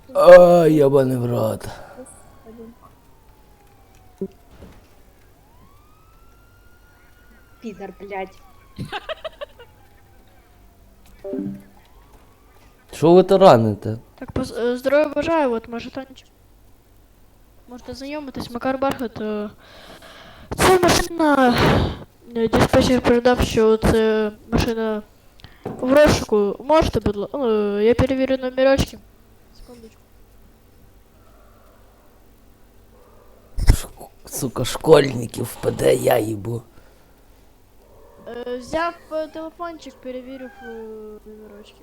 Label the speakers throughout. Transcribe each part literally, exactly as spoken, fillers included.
Speaker 1: Ай, ябаний в рот.
Speaker 2: Пидор, блядь.
Speaker 1: Що ви тараните?
Speaker 3: Так, поз- е, здоров'я бажаю, от може танчик. Можете знайомитись, Макар Бархат. е, Це машина. е, Диспетчер передав, що це машина в розшуку. Можете, будь ласка. Я перевірю номерочки. Секундочку.
Speaker 1: Сука, школьників впаде, я їбу.
Speaker 3: Е, Взяв е, телефончик, перевірив е, номерочки.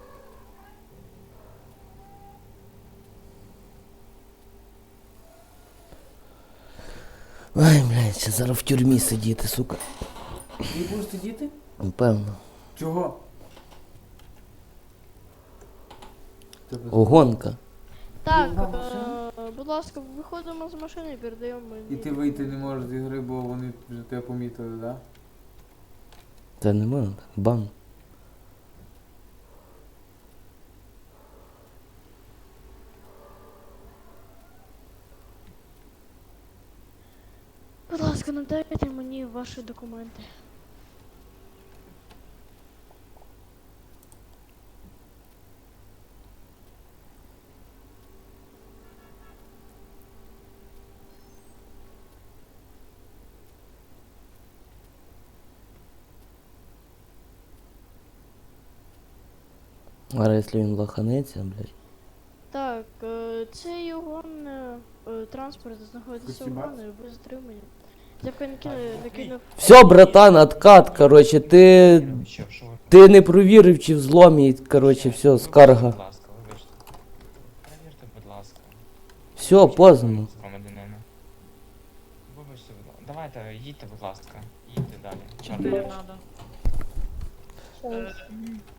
Speaker 1: Ай, блядь, ще зараз в тюрмі сидіти, сука.
Speaker 4: Ти будеш сидіти?
Speaker 1: Напевно.
Speaker 4: Чого? Тебе
Speaker 1: Огонка.
Speaker 3: Так,
Speaker 4: Ага,
Speaker 3: е, будь ласка, виходимо з машини і передаємо мені.
Speaker 4: І ти вийти не можеш з ігри, бо вони вже тебе помітили, так? Да?
Speaker 1: Це не можна, бан.
Speaker 3: Будь ласка, надайте мені ваші документи.
Speaker 1: А якщо він лоханеться, блядь.
Speaker 3: Так, е, цей його е, транспорт знаходиться у
Speaker 4: Спасибо.
Speaker 3: мене, ви затримані. Я кинув, накинув.
Speaker 1: Все, братан, откат, короче, ти...
Speaker 5: Що, що ви?
Speaker 1: Ти не провірив, чи в зломі, короче, все, скарга.
Speaker 5: Будь ласка, вибачте. Перевірте, будь ласка.
Speaker 1: Все, поздно.
Speaker 5: Громадянина. Вибачте, будь ласка. Давайте, їдьте, будь ласка. Їдьте далі.
Speaker 6: Чотири надо.
Speaker 2: Щас.